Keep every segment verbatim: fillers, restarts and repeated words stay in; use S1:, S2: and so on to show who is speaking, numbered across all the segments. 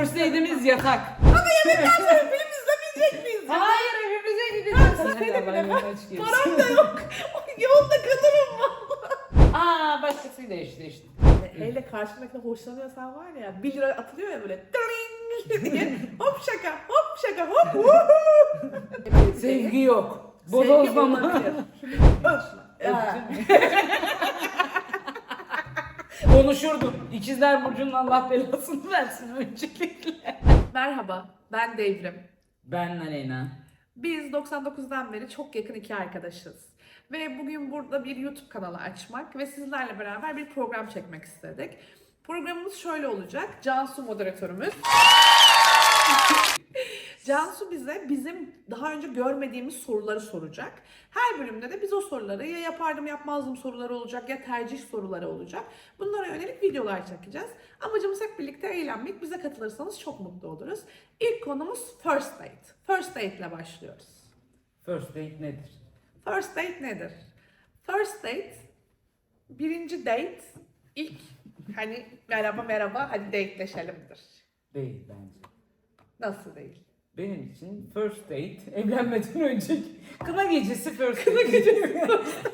S1: first date'imiz yatak.
S2: Ama yemekten sonra film izlemeyecek miyiz?
S1: Hayır, evimize gideceğiz.
S2: Ha,
S1: Hadi
S2: benim
S1: Allah
S2: de
S1: yolunu
S2: ben-
S1: açık etsin.
S2: Param da yok. Yolda kalırım valla.
S1: Aa, başkasıyla eşleştim.
S2: Hele karşındakine hoşlanıyorsan var ya bir lira atılıyor ya böyle dring diye hop şaka hop şaka hop woohoo.
S1: Sevgi yok.
S2: Sevgi
S1: Bodozlama.
S2: olabilir. Öf. Ya.
S1: Konuşurdum. İkizler Burcu'nun Allah belasını versin öncelikle.
S2: Merhaba, ben Devrim.
S1: Ben Aleyna.
S2: Biz doksan dokuzdan beri çok yakın iki arkadaşız. Ve bugün burada bir YouTube kanalı açmak ve sizlerle beraber bir program çekmek istedik. Programımız şöyle olacak. Cansu moderatörümüz. Cansu bize bizim daha önce görmediğimiz soruları soracak. Her bölümde de biz o soruları ya yapardım yapmazdım soruları olacak ya tercih soruları olacak. Bunlara yönelik videolar çekeceğiz. Amacımız hep birlikte eğlenmek. Bize katılırsanız çok mutlu oluruz. İlk konumuz first date. First date ile başlıyoruz.
S1: First date nedir?
S2: First date nedir? First date, birinci date, ilk hani merhaba merhaba hadi dateleşelimdir.
S1: Değil bence.
S2: Nasıl değil?
S1: Benim için first date evlenmeden önceki kına gecesi first date. Kına gecesi.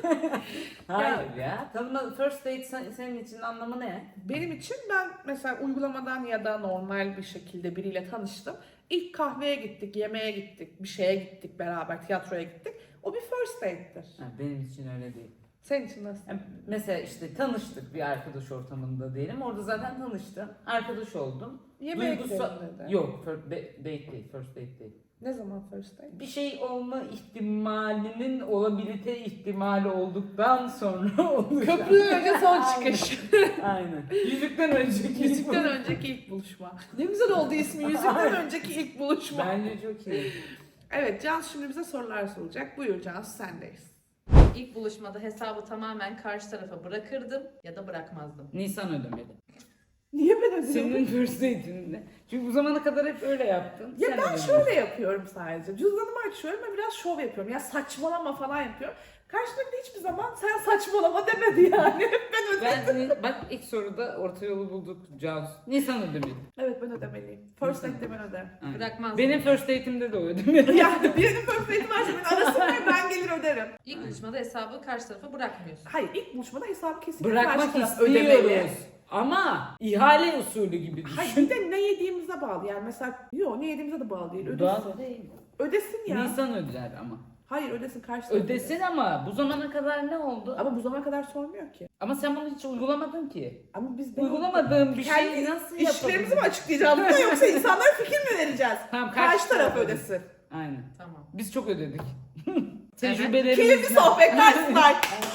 S1: Hayır ya. Tanıma, first date sen- senin için anlamı ne?
S2: Benim için ben mesela uygulamadan ya da normal bir şekilde biriyle tanıştım. İlk kahveye gittik, yemeğe gittik, bir şeye gittik beraber, tiyatroya gittik. O bir first date'tir.
S1: Ha, benim için öyle değil.
S2: Senin için nasıl?
S1: Yani mesela işte tanıştık bir arkadaş ortamında diyelim. Orada zaten tanıştım. Arkadaş oldum.
S2: Yemeğe
S1: Duygusal-
S2: gidelim dedi.
S1: Yok, first date değil, first date değil.
S2: Ne zaman first date?
S1: Bir şey olma ihtimalinin olabilite ihtimali olduktan sonra olacak.
S2: Köprüden önce son çıkış.
S1: Aynen. Yüzükten önceki.
S2: Yüzükten önceki ilk buluşma. Ne güzel oldu ismi. Yüzükten önceki ilk buluşma.
S1: Bence çok iyi.
S2: Evet, Cansu şimdi bize sorular soracak. Buyur Cansu, sendeyiz.
S3: İlk buluşmada hesabı tamamen karşı tarafa bırakırdım ya da bırakmazdım.
S1: Nisan ödemeli.
S2: Niye ben ödüyorum?
S1: Senin first date'inde. Çünkü bu zamana kadar hep öyle yaptın.
S2: Ya
S1: Sen
S2: ben
S1: ödemelisin.
S2: şöyle yapıyorum sadece. Cüzdanımı açıyorum ve biraz şov yapıyorum. Ya saçmalama falan yapıyorum. Karşımdaki de hiçbir zaman sen saçmalama demedi yani. Hep ben ödedim.
S1: Ben, bak ilk soruda orta yolu bulduk Cansu. Nisan ödemeli.
S2: Evet, ben ödemeliyim. First date'de ben öderim.
S1: Aynen.
S3: Bırakmazdım.
S1: Benim first date'imde de o ödemeli.
S2: Yani birinin first date'i varsa beni arasın ve ben gelir öderim.
S3: İlk buluşmada hesabı karşı tarafa bırakmıyorsun.
S2: Hayır, ilk buluşmada hesabı kesinlikle
S1: Bırakmak
S2: karşı taraf
S1: istiyoruz.
S2: ödemeli.
S1: Ama ihale usulü gibi düşün.
S2: Hayır, bir de ne yediğimize bağlı. Yani mesela, yok ne yediğimize de bağlı değil. Ödesin.
S1: Doğal değil.
S2: Ödesin ya.
S1: Nisan öder ama.
S2: Hayır, ödesin karşı taraf
S1: Ödesin ama bu zamana kadar ne oldu?
S2: Ama bu zamana kadar sormuyor ki.
S1: Ama sen bunu hiç uygulamadın ki.
S2: Ama biz de
S1: Uygulamadığım bir
S2: kendi
S1: şeyi nasıl
S2: işlerimizi mi
S1: yapabilirim?
S2: açıklayacağız burada yoksa insanlara fikir mi vereceğiz?
S1: Tamam,
S2: Karşı taraf
S1: ödesin.
S2: ödesin.
S1: Aynen.
S3: Tamam.
S1: Biz çok ödedik.
S3: Evet.
S1: Tecrübelerimiz.
S2: Keyifli sohbetler sunar.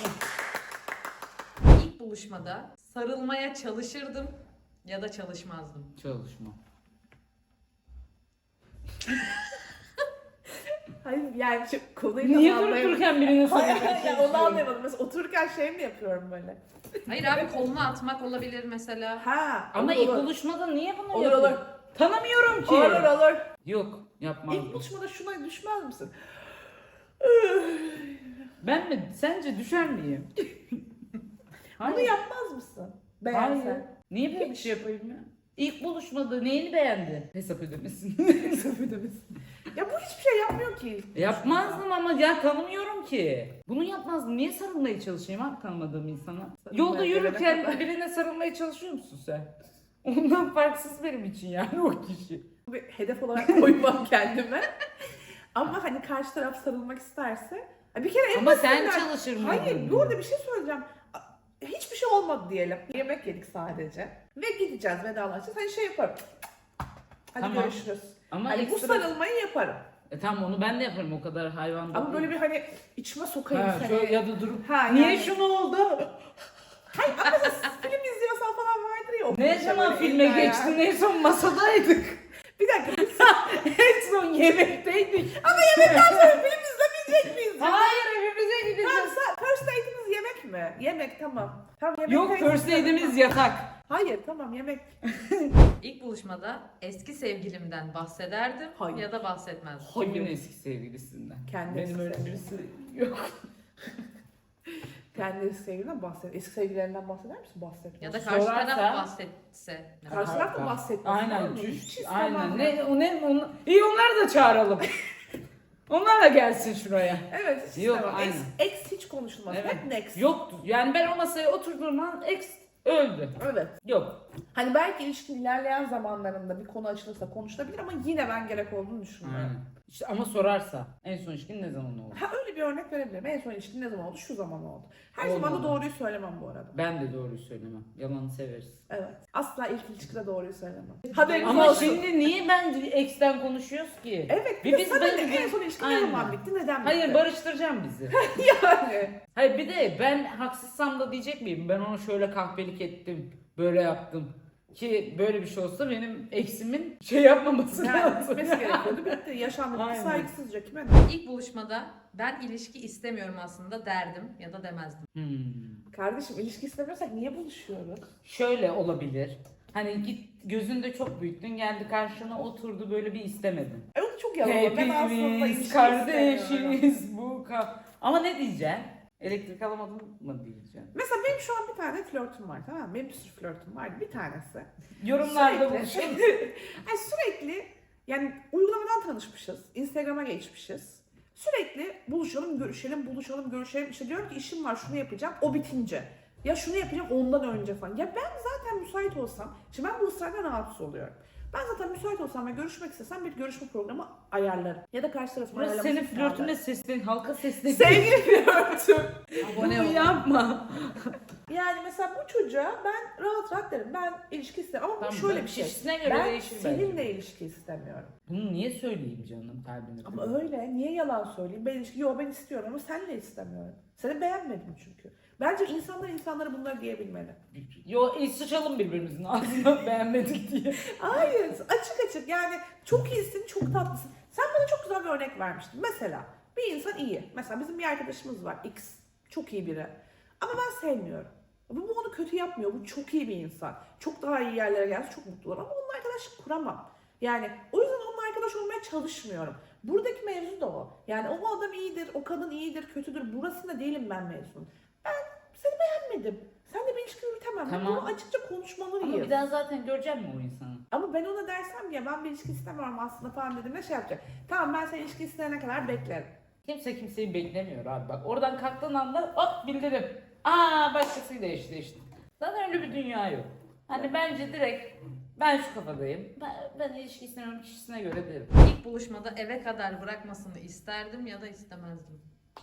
S3: İlk buluşmada sarılmaya çalışırdım ya da çalışmazdım.
S1: Çalışma.
S2: Hayır yani şu konuyu
S1: Niye
S2: tam
S1: durup
S2: anlayamadım.
S1: dururken birine
S2: Hayır,
S1: sormaya
S2: ya onu anlayamadım. Mesela otururken şey mi yapıyorum böyle?
S3: Hayır abi, kolunu atmak olabilir mesela.
S2: Ha.
S1: Ama
S2: olur,
S1: ilk
S2: olur.
S1: buluşmada niye bunu
S2: Olur
S1: yapıyorsun?
S2: olur.
S1: Tanımıyorum ki.
S2: Olur olur.
S1: Yok, yapmam.
S2: İlk buluşmada şuna düşmez misin?
S1: Ben mi? Sence düşer miyim?
S2: Bunu yapmaz mısın? Beğensen.
S1: Hayır. Niye böyle bir şey yapayım ya? İlk buluşmada neyini beğendin? Hesap ödemesin.
S2: Hesap ödemesin. Ya bu hiçbir şey yapmıyor ki.
S1: Yapmazdım ama ya tanımıyorum ki. Bunu yapmazdım. Niye sarılmaya çalışayım abi tanımadığım insana?
S2: Sarılmaya
S1: Yolda
S2: gelene
S1: yürürken
S2: kadar.
S1: birine sarılmaya çalışıyor musun sen? Ondan farksız benim için yani o kişi.
S2: Bir hedef olarak koymam kendime. Ama hani karşı taraf sarılmak isterse. Bir kere en
S1: Ama sen
S2: basitinden-
S1: çalışır mıydın?
S2: Hayır, bu arada bir şey söyleyeceğim. Hiçbir şey olmadı diyelim. Yemek yedik sadece. Ve gideceğiz, vedalaşacağız. Hani şey yaparım. Hadi
S1: Tamam.
S2: görüşürüz.
S1: Ama
S2: Hani bu
S1: ekstra...
S2: sarılmayı yaparım.
S1: E tamam onu ben de yaparım o kadar hayvan da
S2: Ama böyle
S1: değil.
S2: bir hani içime sokayım
S1: Ha,
S2: seni.
S1: şöyle ya da durup
S2: Ha,
S1: niye
S2: yani-
S1: şunu oldu?
S2: Hayır ama mesela film izliyorsan falan vardır ya. o
S1: Ne
S2: şey
S1: zaman
S2: böyle
S1: filme
S2: eller ya.
S1: geçtin? En son masadaydık.
S2: Bir dakika.
S1: En son yemekteydik.
S2: Ama yemekten sonra film izlemeyecek miyiz?
S1: Hayır evimize
S2: Tamam,
S1: gideceğiz.
S2: sen- first date'imiz yemek mi? Yemek tamam. Tamam yemek.
S1: Yok first date'imiz yatak.
S2: Hayır tamam yemek.
S3: İlk buluşmada eski sevgilimden bahsederdim
S2: Hayır.
S3: ya da bahsetmezdim.
S2: Hayır.
S1: Kimin eski sevgilisinden?
S2: Kendi
S1: Benim
S2: eski
S1: öyle birisi yok.
S2: Kendi sevgilinden bahset. Eski sevgililerinden bahseder misin? Bahset.
S3: Ya da karşı
S1: Sorarsa-
S3: taraf bahsetse.
S2: Karşı taraf da bahsetmesin.
S1: Aynen.
S2: Hiç
S1: Cüş,
S2: istemem
S1: aynen.
S2: ben.
S1: Ne, o ne, onu, iyi onları da çağıralım. Onlar da gelsin şuraya.
S2: Evet, hiç
S1: Yok,
S2: istemem. Ex,
S1: aynen.
S2: ex hiç konuşulmaz.
S1: Evet.
S2: Hep next.
S1: Yoktu. Yani ben o masaya oturduğum an ex öldü.
S2: Evet.
S1: Yok.
S2: Hani belki ilişkin ilerleyen zamanlarında bir konu açılırsa konuşulabilir ama yine ben gerek olduğunu düşünmüyorum.
S1: Aynen. İşte ama sorarsa en son ilişkin ne zaman oldu?
S2: Ha öyle bir örnek verebilirim. En son ilişkin ne zaman oldu? Şu zaman oldu. Her
S1: Olmadı.
S2: zaman da doğruyu söylemem bu arada.
S1: Ben de doğruyu söylemem. Yalanı severiz.
S2: Evet. Asla ilk ilişkide doğruyu söylemem. Haberiniz
S1: Ama
S2: olsun.
S1: şimdi niye ben ex'ten konuşuyoruz ki?
S2: Evet. Bir
S1: Bir
S2: de
S1: biz
S2: sana
S1: böyle
S2: ne?
S1: bir-
S2: En son ilişkin ne
S1: Aynen.
S2: zaman bitti? Neden bitti?
S1: Hayır barıştıracağım bizi.
S2: Yani.
S1: Hayır bir de ben haksızsam da diyecek miyim? Ben onu şöyle kahpelik ettim, böyle yaptım. Ki böyle bir şey olsa benim eksimin şey yapmaması
S2: Yani
S1: lazım.
S2: bitmesi gerekiyordu. Bitti. Yaşandı. Bitti.
S1: Aynen.
S2: Saygısızca kime ne?
S3: İlk buluşmada ben ilişki istemiyorum aslında derdim ya da demezdim.
S1: Hmm.
S2: Kardeşim ilişki istemiyorsak niye buluşuyoruz?
S1: Şöyle olabilir. Hani git gözünde çok büyüttün, geldi karşına oturdu böyle bir istemedin.
S2: E o da çok yalan. olur. Ben aslında ilişki
S1: Hepimiz
S2: istemiyorum.
S1: kardeşiz bu ka... Ama ne diyeceksin? Elektrik alamadım mı diyeceksin?
S2: Mesela benim şu an bir tane flörtüm var, tamam mı? Benim bir sürü flörtüm var. Bir tanesi.
S1: Yorumlarda
S2: Sürekli-
S1: buluşun.
S2: Ay sürekli yani uygulamadan tanışmışız. Instagram'a geçmişiz. Sürekli buluşalım, görüşelim, buluşalım, görüşelim. İşte diyorum ki işim var, şunu yapacağım. O bitince. Ya şunu yapacağım ondan önce falan. Ya ben zaten müsait olsam, şimdi ben bu ısrardan rahatsız oluyorum. Ben zaten müsait olsam ve görüşmek istesem bir görüşme programı ayarlarım. Ya da karşı tarafın
S1: Burası
S2: ayarlamasını
S1: senin flörtüne
S2: sağlarım.
S1: seslen, halka seslen.
S2: Sevgili flörtüm.
S3: Abone
S1: Bunu
S3: olun.
S1: yapma.
S2: Yani mesela bu çocuğa ben rahat rahat derim. Ben ilişki istemem ama bu
S1: Tamam,
S2: şöyle bir şey.
S1: kişisine göre
S2: Ben
S1: değişir
S2: seninle
S1: bence.
S2: ilişki istemiyorum.
S1: Bunu niye söyleyeyim canım kalbine?
S2: Ama öyle. Niye yalan söyleyeyim? Ben ilişki, yo ben istiyorum ama seninle istemiyorum. Seni beğenmedim çünkü. Bence insanlar insanlara bunları diyebilmeli.
S1: Yo e, sıçalım birbirimizin ağzına beğenmedik diye.
S2: Hayır, açık açık yani çok iyisin, çok tatlısın. Sen bana çok güzel bir örnek vermiştin. Mesela bir insan iyi. Mesela bizim bir arkadaşımız var X. Çok iyi biri. Ama ben sevmiyorum. Bu, bu onu kötü yapmıyor. Bu çok iyi bir insan. Çok daha iyi yerlere gelse çok mutlu olur. Ama onunla arkadaşlık kuramam. Yani o yüzden onunla arkadaş olmaya çalışmıyorum. Buradaki mevzu da o. Yani o adam iyidir, o kadın iyidir, kötüdür. Burasında değilim ben mevzunun. Ben seni beğenmedim. Sen de bir ilişki yürütemem.
S1: Tamam.
S2: Bunu açıkça
S1: Ama
S2: konuşmalıyız.
S1: bir daha zaten göreceğim mi o insanı?
S2: Ama ben ona dersem ya ben bir ilişki istemiyorum aslında falan dediğimde şey yapacak. Tamam ben seni ilişki isteyene kadar beklerim.
S1: Kimse kimseyi beklemiyor abi bak. Oradan kalktığın anda hop bildirim. Aa başkasıyla eşleştin. Zaten öyle bir dünya yok. Hani bence direkt ben şu kafadayım. Ben, ben ilişki istemiyorum kişisine göre derim.
S3: İlk buluşmada eve kadar bırakmasını isterdim ya da istemezdim.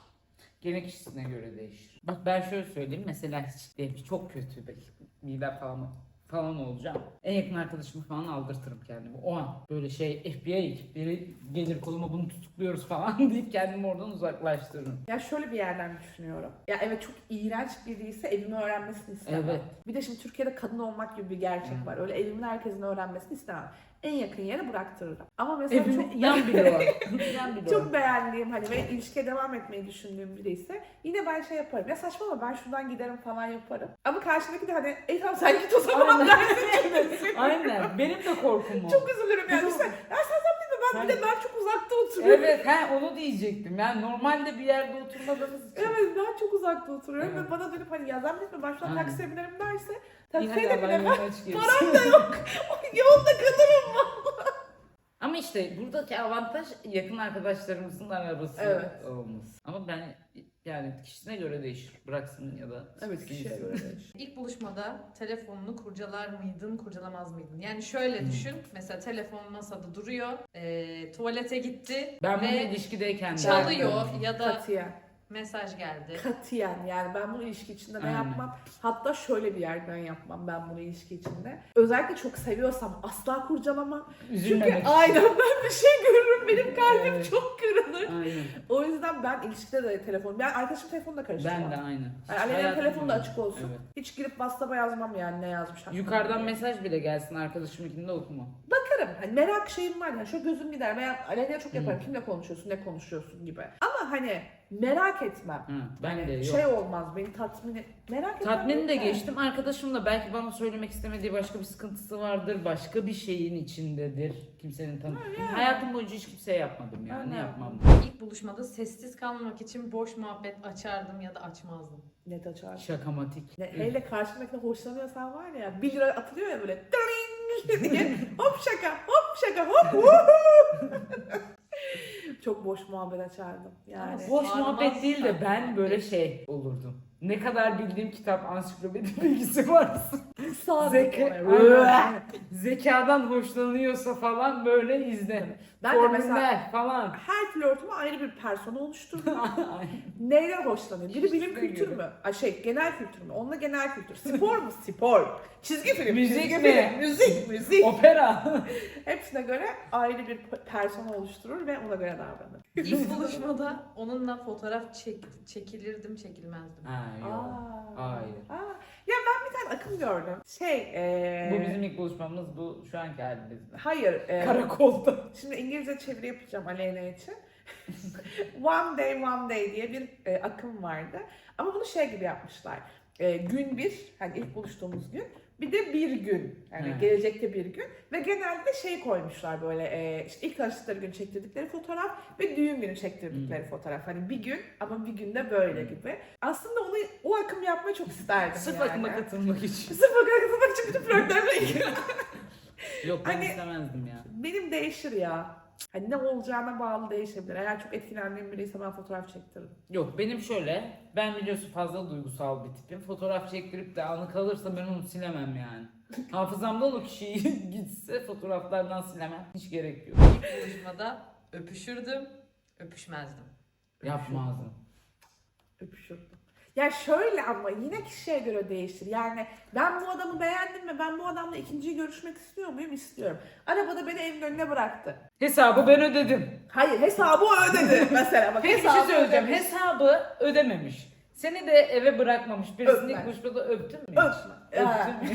S1: Gene kişisine göre değişir. Bak ben şöyle söyleyeyim mesela hiç diyelim ki çok kötü bir mide falan falan olacağım. En yakın arkadaşımı falan aldırtırım kendimi. O an böyle şey F B I ekipleri gelir koluma bunu tutukluyoruz falan deyip kendimi oradan uzaklaştırırım.
S2: Ya şöyle bir yerden düşünüyorum. Ya evet çok iğrenç biriyse evimi öğrenmesini istemem.
S1: Evet.
S2: Bir de şimdi Türkiye'de kadın olmak gibi bir gerçek
S1: Hı.
S2: var. Öyle evimin herkesin öğrenmesini istemem. En yakın yere bıraktırırım. Ama mesela
S1: Evin
S2: çok
S1: yan bile var. yan bile var.
S2: çok beğendiğim hani ve ilişkiye devam etmeyi düşündüğüm biri ise yine ben şey yaparım. Ya saçmalama ben şuradan giderim falan yaparım. Ama karşındaki de hani ey tamam sen git o zaman
S1: Aynen.
S2: dersin.
S1: Aynen. Benim de korkum o.
S2: Çok üzülürüm yani.
S1: Bizim-
S2: Düşünsene, ya sen zannetme ben bir de ben çok uzakta oturuyorum.
S1: Evet, he onu diyecektim. Yani normalde bir yerde oturmadığımız için.
S2: Evet ben çok uzakta oturuyorum
S1: Evet.
S2: ve bana dönüp hani ya zannetme ben şuradan
S1: Aynen.
S2: taksiye binerim derse
S1: İyi,
S2: taksiye
S1: hadi
S2: de
S1: Allah'ın
S2: binemem.
S1: yoluna çıkıyoruz.
S2: Param da yok. Yolda kalırım.
S1: Ama işte buradaki avantaj yakın arkadaşlarımızın arabası
S2: Evet.
S1: olması. Ama ben yani kişisine göre değişir. Bıraksın ya da
S2: Evet kişiye
S1: gitsin.
S2: göre değişir.
S3: İlk buluşmada telefonunu kurcalar mıydın, kurcalamaz mıydın? Yani şöyle
S1: Hmm.
S3: düşün, mesela telefon masada duruyor, eee, tuvalete gitti
S1: Ben bunu
S3: ve
S1: ilişkideyken de
S3: çalıyor
S1: yapıyorum.
S3: ya da
S2: Katiyen.
S3: mesaj geldi.
S2: Katiyen yani ben bunu ilişki içinde de
S1: Aynen.
S2: yapmam. Hatta şöyle bir yerden yapmam ben bunu ilişki içinde. Özellikle çok seviyorsam asla kurcalamam. Çünkü
S1: Üzülmemek için.
S2: aynen ben bir şey görürüm benim kalbim
S1: Evet.
S2: çok kırılır.
S1: Aynen.
S2: O yüzden ben ilişkide de telefon, ben arkadaşım telefonunu da karıştırmam.
S1: Ben de aynen.
S2: Yani Aleyna'nın
S1: Hayatım
S2: telefonu da
S1: öyle.
S2: açık olsun.
S1: Evet.
S2: Hiç girip WhatsApp'a yazmam yani ne yazmış. hakkında
S1: Yukarıdan
S2: diye.
S1: mesaj bile gelsin arkadaşımınkini de okuma.
S2: Bakarım. Hani merak şeyim var. Yani şöyle gözüm gider. Veya Aleyna'ya çok yaparım.
S1: Hı.
S2: Kimle konuşuyorsun, ne konuşuyorsun gibi. Ama hani merak etmem.
S1: Hı, ben
S2: Hani
S1: de yok.
S2: şey olmaz beni tatmin et. Merak etmem.
S1: Tatmini de
S2: yok yani.
S1: geçtim. Arkadaşım da belki bana söylemek istemediği başka bir sıkıntısı vardır. Başka bir şeyin içindedir. Kimsenin tanı.
S2: yani.
S1: Hayatım boyunca hiç kimseye yapmadım yani.
S2: Ben de
S1: Yapmam.
S3: İlk buluşmada sessiz kalmamak için boş muhabbet açardım ya da açmazdım.
S2: Net açar.
S1: Şakamatik.
S2: Ne, hele karşındakine hoşlanıyorsan var ya bir lira atılıyor ya böyle dırring diye hop şaka hop şaka hop woohoo. Çok boş muhabbet açardım yani.
S3: Ama
S1: Boş
S3: Sarmaz
S1: muhabbet değil de ben
S3: muhabbet.
S1: böyle şey olurdum. Ne kadar bildiğim kitap ansiklopedi bilgisi varsa.
S2: Sağ
S1: Zeka,
S2: Aynen.
S1: zekadan hoşlanıyorsa falan böyle izle.
S2: Ben de
S1: Formüller
S2: mesela
S1: falan.
S2: her flörtüme ayrı bir persona oluşturdum. Neyden hoşlanıyor? Biri bilim
S1: Kişisine
S2: kültür
S1: göre.
S2: mü? Ay şey genel kültür mü? Onunla genel kültür. Spor mu? Spor. Çizgi film.
S1: Müzik
S2: çizgi
S1: mi?
S2: film. Müzik. Müzik.
S1: Opera.
S2: Hepsine göre ayrı bir persona oluşturur ve ona göre davranır.
S3: İlk buluşmada onunla fotoğraf çek, çekilirdim, çekilmezdim.
S1: Ha yok.
S2: Aa.
S1: Hayır.
S2: Aa. Ya ben bir tane akım gördüm. Şey, ee...
S1: Bu bizim ilk buluşmamız, bu şu anki halimiz.
S2: Hayır. ee,
S1: Karakolda.
S2: Şimdi İngilizce çeviri yapacağım Aleyna için. One Day One Day diye bir e, akım vardı. Ama bunu şey gibi yapmışlar. E, gün bir, hani ilk buluştuğumuz gün. Bir de bir gün, yani
S1: He.
S2: gelecekte bir gün. Ve genelde şey koymuşlar böyle, e, işte ilk tanıştıkları gün çektirdikleri fotoğraf ve düğün günü çektirdikleri fotoğraf. Hani bir gün ama bir günde böyle gibi. Aslında onu o akım yapmayı çok isterdim
S1: Sırf
S2: yani.
S1: akıma katılmak için.
S2: Sırf akıma katılmak için bütün flörtlerle ilgili.
S1: Yok ben
S2: Hani-
S1: istemezdim ya.
S2: Benim değişir ya. Hani ne olacağına bağlı değişebilir. Eğer çok etkilendiğim biriyse ben fotoğraf çektiririm.
S1: Yok benim şöyle, ben biliyorsun fazla duygusal bir tipim. Fotoğraf çektirip de anı kalırsa ben onu silemem yani. Hafızamdan o kişiyi gitse fotoğraflardan silemem. Hiç gerek yok.
S3: İlk buluşmada öpüşürdüm, öpüşmezdim.
S1: Yapmazdım.
S2: Öpüşürdüm. Ya şöyle ama yine kişiye göre değişir. Yani ben bu adamı beğendim ve ben bu adamla ikinciyi görüşmek istiyor muyum? İstiyorum. Arabada beni evin önüne bıraktı.
S1: Hesabı ben ödedim.
S2: Hayır hesabı o ödedi mesela. Bak,
S1: Peki bir şey
S2: hesabı
S1: söyleyeceğim.
S2: ödemiş.
S1: Hesabı ödememiş. Seni de eve bırakmamış. Birisini
S2: Öpme.
S1: ilk buluşmada öptün mü hiç?
S2: Öpme. Ha.
S1: Öptün mü?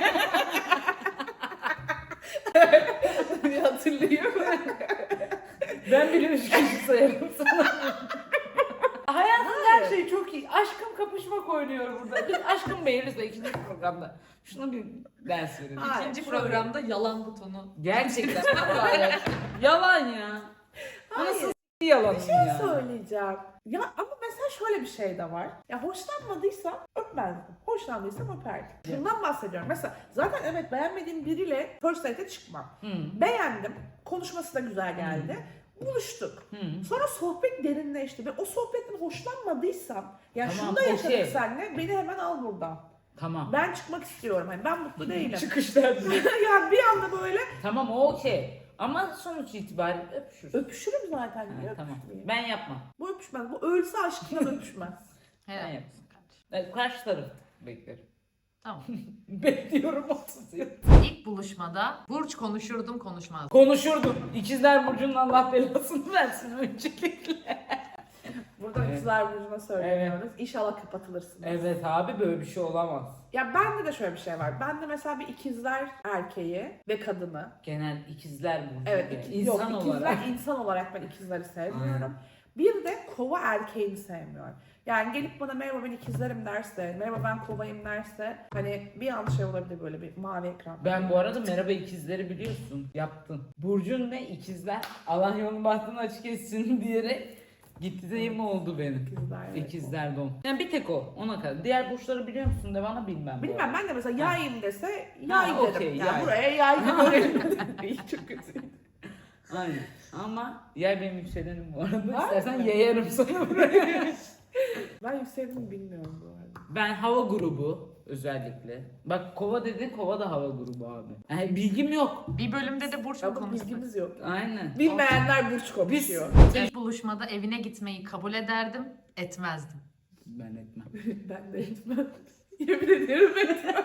S2: Bir hatırlıyorum.
S1: Ben bile üç kişi sayarım sana. Hayatın her
S2: Hayır.
S1: şeyi çok iyi. Aşkım kapışmak oynuyor burada. Biz aşkım beğeniriz de ikinci programda. Şuna bir ders verelim.
S2: Hayır,
S3: İkinci
S2: şöyle.
S3: programda yalan butonu.
S1: Gerçekten. Hayır. Yalan ya. Bu nasıl
S2: Hayır.
S1: s- yalan
S2: Bir şey
S1: ya?
S2: söyleyeceğim. Ya ama mesela şöyle bir şey de var. Ya hoşlanmadıysam öpmezdim. Hoşlandıysam öperdim.
S1: Evet.
S2: Bundan bahsediyorum. Mesela zaten evet beğenmediğim biriyle first date'e çıkmam.
S1: Hı.
S2: Beğendim. Konuşması da güzel geldi. Buluştuk.
S1: Hı.
S2: Sonra sohbet derinleşti ve o sohbetten hoşlanmadıysam ya
S1: Tamam,
S2: şunu da
S1: o
S2: yaşadık
S1: şey.
S2: seninle beni hemen al buradan.
S1: Tamam.
S2: Ben çıkmak istiyorum. Hani ben mutlu değilim.
S1: Çıkışlar diye.
S2: yani bir anda böyle
S1: Tamam o okey. Ama sonuç itibariyle öpüşürüz.
S2: öpüşürüm zaten.
S1: Ha,
S2: Niye
S1: tamam.
S2: öpüşmeyeyim?
S1: Ben yapmam.
S2: Bu öpüşmez. Bu ölse aşkından öpüşmez.
S3: Helal
S1: Ben
S3: olsun kardeşim.
S1: Ben karşı taraf beklerim.
S3: Tamam.
S1: Bekliyorum otuz yıl.
S3: İlk buluşmada burç konuşurdum, konuşmazdım.
S1: Konuşurdum. İkizler Burcu'nun Allah belasını versin öncelikle.
S2: Buradan
S1: Evet.
S2: ikizler burcuna söylüyoruz. İnşallah kapatılırsınız.
S1: Evet abi böyle bir şey olamaz.
S2: Ya bende de şöyle bir şey var. Bende mesela bir ikizler erkeği ve kadını.
S1: Genel ikizler Burcu.
S2: Evet,
S1: yani.
S2: iki,
S1: İnsan
S2: yok, ikizler
S1: olarak.
S2: insan olarak ben ikizleri sevmiyorum.
S1: Aynen.
S2: Bir de kova erkeğini sevmiyorum. Yani gelip bana merhaba ben ikizlerim derse, merhaba ben kovayım derse hani bir an şey olabilir böyle bir mavi ekran.
S1: Ben bu arada merhaba ikizleri biliyorsun. Yaptın. Burcun ne ikizler? Allah yolunu bahtını açık etsin diyerek gitti de mi oldu benim?
S2: İkizler. evet.
S1: İkizler don. Yani bir tek o. Ona kadar. Diğer burçları biliyor musun de bana bilmem. bu
S2: Bilmem
S1: arada.
S2: ben de mesela yayım dese
S1: Ha,
S2: yay derim.
S1: okey,
S2: yani
S1: yay.
S2: buraya yay derim. Çok kötü.
S1: Aynen. Ama yer benim yükselenim bu arada.
S2: Var
S1: İstersen
S2: mı?
S1: yayarım sana buraya.
S2: Ben yükseldiğimi bilmiyorum bu arada.
S1: Ben hava grubu özellikle. Bak kova dedin, kova da hava grubu abi. Yani bilgim yok.
S3: Bir bölümde de burç mu
S2: Ya bu
S3: konuştuk?
S2: bilgimiz yok.
S1: Aynen.
S2: Bilmeyenler burç konuşuyor.
S3: İlk buluşmada evine gitmeyi kabul ederdim, etmezdim.
S1: Ben etmem.
S2: Ben de etmem. Yemin ederim etmem.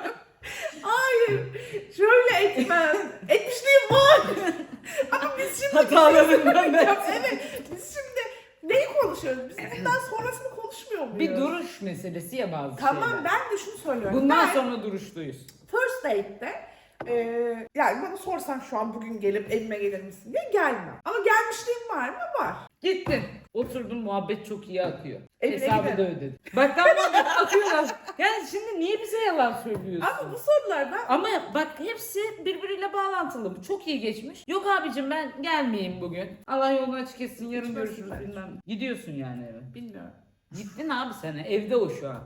S2: Hayır. Şöyle etmem. Etmişliğim var. Ama biz şimdi
S1: Hatalarından ben.
S2: Ya evet. Biz şimdi neyi konuşuyoruz? Biz bundan sonrasını konuşmuyor muyuz?
S1: Bir duruş meselesi ya bazı
S2: Tamam
S1: şeyler.
S2: ben de şunu söylüyorum.
S1: Bundan
S2: ben
S1: sonra duruşluyuz.
S2: first date'te e, yani bana sorsan şu an bugün gelip evime gelir misin diye gelmem. Ama gelmişliğim var mı? Var.
S1: Gittin. Oturdun muhabbet çok iyi akıyor.
S2: Evine
S1: Hesabı da
S2: gidelim.
S1: ödedin. Bak tam muhabbet akıyor lan. Yani şimdi niye bize yalan söylüyorsun?
S2: Ama bu sorulardan
S1: Ama bak hepsi birbiriyle bağlantılı. Bu çok iyi geçmiş. Yok abicim ben gelmeyeyim bugün. Allah yolunu açık etsin yarın
S2: Gitmezsin
S1: görüşürüz
S2: bence.
S1: bilmem. Gidiyorsun yani eve.
S2: bilmiyorum.
S1: Gittin abi sen, evde o şu an.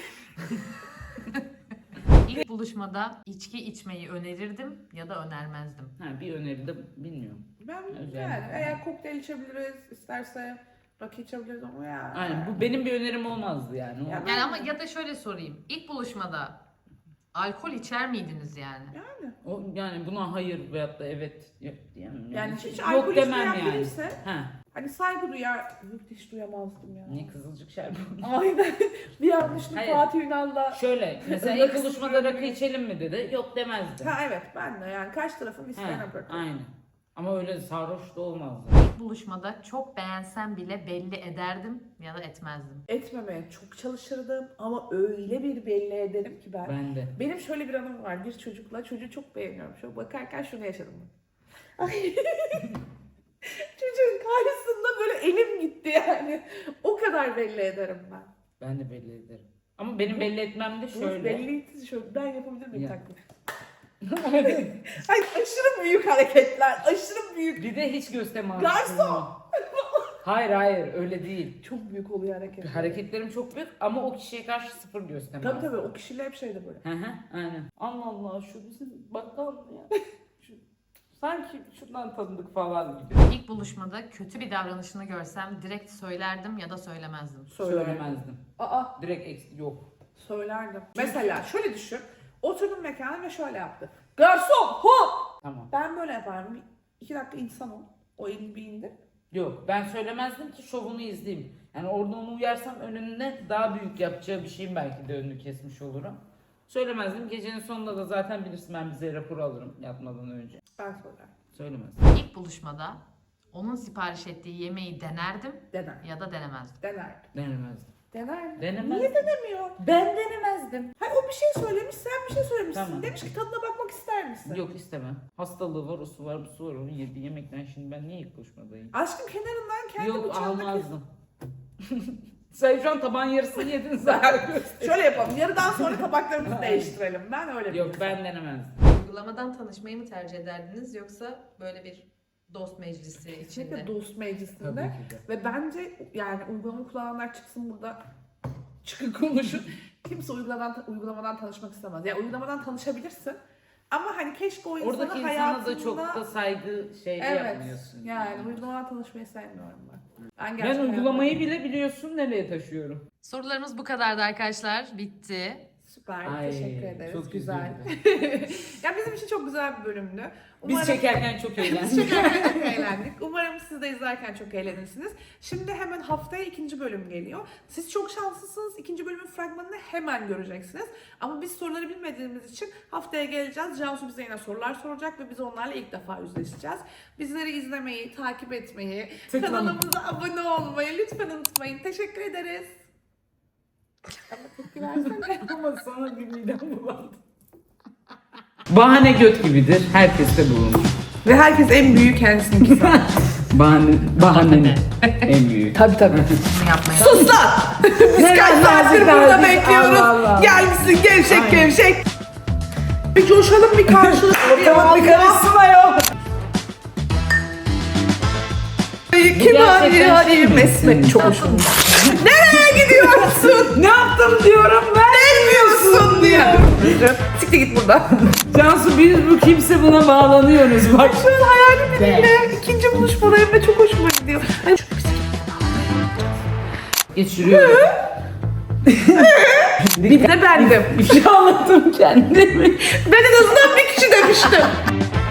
S3: İlk buluşmada içki içmeyi önerirdim ya da önermezdim.
S1: Ha, bir öneri de bilmiyorum.
S2: Ben
S1: Özellikle.
S2: yani eğer kokteyl içebiliriz, isterse rakı içebiliriz ama ya.
S1: Aynen, bu benim bir önerim olmazdı yani. O-
S2: Ya
S3: Yani ama ya da şöyle sorayım. İlk buluşmada alkol içer miydiniz yani?
S2: Yani.
S1: O, yani buna hayır veyahut da evet yok diyemem.
S2: Yani hiç
S1: yok
S2: alkol
S1: demem
S2: içmeyen
S1: yani.
S2: biriyse
S1: Ha,
S2: hani saygı duyar. Yok hiç duyamazdım ya.
S1: ne kızılcık şerbeti.
S2: Aynen. Bir yanlışlık
S1: Hayır.
S2: Fatih Ünal'la.
S1: Şöyle mesela
S2: Rakı
S1: ilk buluşmada rakı içelim mi dedi. Yok demezdim.
S2: Ha evet ben de yani karşı tarafın isteğine
S1: Ha,
S2: bırakıyorum.
S1: aynen. Ama öyle sarhoş da olmazdı.
S3: İlk buluşmada çok beğensem bile belli ederdim ya da etmezdim.
S2: Etmemeye çok çalışırdım ama öyle bir belli ederim ki ben.
S1: Ben de.
S2: Benim şöyle bir anım var. Bir çocukla, çocuğu çok beğeniyorum. Şöyle bakarken şunu yaşadım ben. Ay. Çocuğun karşısında böyle elim gitti yani. O kadar belli ederim ben.
S1: Ben de belli ederim. Ama benim belli etmem de
S2: Şöyle.
S1: şöyle.
S2: Belli şöyle. Ben yapabilir miyim
S1: Ya.
S2: taklit? Ay aşırı büyük hareketler. Aşırı büyük.
S1: Bir de hiç göstermem.
S2: Garson!
S1: Hayır hayır öyle değil.
S2: Çok büyük oluyor hareketler.
S1: Hareketlerim çok büyük ama o kişiye karşı sıfır göstermem.
S2: Tabii tabii o kişiyle hep şeyde böyle.
S1: Hı hı, aynen. Allah Allah şu bizim bakkal mı ya? Şu, sanki şundan tanıdık falan gibi.
S3: İlk buluşmada kötü bir davranışını görsem direkt söylerdim ya da söylemezdim.
S2: Söylerdim.
S1: Söylemezdim.
S2: Aa
S1: Direkt eks- yok.
S2: söylerdim. Mesela şöyle düşün. Oturdum mekana ve şöyle yaptı. Garson hop!
S1: Tamam.
S2: Ben böyle yaparım. Bir, iki dakika insan ol. O elini bir indir.
S1: Yok ben söylemezdim ki şovunu izleyeyim. Yani orada onu uyarsam önünde daha büyük yapacağı bir şeyin belki de önünü kesmiş olurum. Söylemezdim. Gecenin sonunda da zaten bilirsin ben bize rapor alırım yatmadan önce.
S2: Ben söylerim.
S1: Söylemezdim.
S3: İlk buluşmada onun sipariş ettiği yemeği denerdim
S2: Dener.
S3: ya da denemezdim.
S2: Denerdim.
S1: Denemezdim.
S2: Dener.
S1: Denemezdim.
S2: Niye denemiyor?
S1: Ben denemezdim.
S2: Hayır o bir şey söylemiş, sen bir şey söylemişsin.
S1: Tamam.
S2: Demiş ki tadına bakmak ister misin?
S1: Yok istemem. Hastalığı var, o su var, bu su var. Onun yediği yemekten şimdi ben niye ilk buluşmadayım?
S2: Aşkım kenarından kendi
S1: Yok
S2: bıçağını kes.
S1: almazdım. Sen şu an tabağın yarısını yedin zaten.
S2: Şöyle yapalım. Yarıdan sonra tabaklarımızı değiştirelim. Ben öyle bir
S1: Yok
S2: insanım.
S1: ben denemezdim.
S3: Uygulamadan tanışmayı mı tercih ederdiniz yoksa böyle bir dost meclisi içinde?
S2: Kesinlikle dost meclisinde.
S1: Tabii ki de.
S2: Ve bence yani uygulama kullananlar çıksın burada çıkın konuşun. Kimse uygulamadan, uygulamadan tanışmak istemez. Yani uygulamadan tanışabilirsin. Ama hani keşke o insanı
S1: Oradaki insana
S2: hayatında...
S1: da çok da saygı şey
S2: Evet.
S1: yapmıyorsun.
S2: Yani uygulamadan tanışmayı sevmiyorum ben. Ben,
S1: Ben
S2: gerçekten
S1: uygulamayı
S2: hayatta-
S1: bile biliyorsun nereye taşıyorum.
S3: Sorularımız bu kadardı arkadaşlar. Bitti.
S2: Süper.
S1: Ay,
S2: teşekkür ederiz.
S1: çok
S2: güzel.
S1: üzüldüm.
S2: Ya bizim için çok güzel bir bölümdü.
S1: Biz çekerken çok
S2: Biz
S1: eğlendik.
S2: çekerken çok eğlendik. Umarım siz de izlerken çok eğlenirsiniz. Şimdi hemen haftaya ikinci bölüm geliyor. Siz çok şanslısınız. İkinci bölümün fragmanını hemen göreceksiniz. Ama biz soruları bilmediğimiz için haftaya geleceğiz. Cansu bize yine sorular soracak ve biz onlarla ilk defa yüzleşeceğiz. Bizleri izlemeyi, takip etmeyi,
S1: Tıklamayın.
S2: kanalımıza abone olmayı lütfen unutmayın. Teşekkür ederiz. Ama tepki versene.
S1: Ama sana bir midem bulandı. Bahane göt gibidir. Herkeste bulunur.
S2: Ve herkes en büyüğü kendisini sanır.
S1: Bahane, bahane en büyük.
S2: Tabii tabii.
S3: Bunu yapmayı
S2: Sus lan! Biz kaç saattir burada bekliyoruz.
S1: Allah Allah.
S2: Gelmişsin gevşek
S1: Aynen.
S2: gevşek. Bir coşalım bir karşılıklı bir
S1: Ortalık bir karışsın ayol.
S2: Kim
S1: gerçekten
S2: hadi
S1: şey
S2: hadi
S1: mi?
S2: mesmet çok hoşuma. Nereye gidiyorsun?
S1: Ne yaptım diyorum ben.
S2: Bilmiyorsun diyor. Siktir git buradan.
S1: Cansu biz bu kimse buna bağlanıyoruz bak.
S2: Şu an hayalim biriyle ikinci buluşmadayım ve çok hoşuma gidiyor. Hani çok güzel.
S1: Geçiriyorum.
S2: Bir de bendim.
S1: Bir şey anlattım kendimi.
S2: Ben en azından bir kişi demiştim.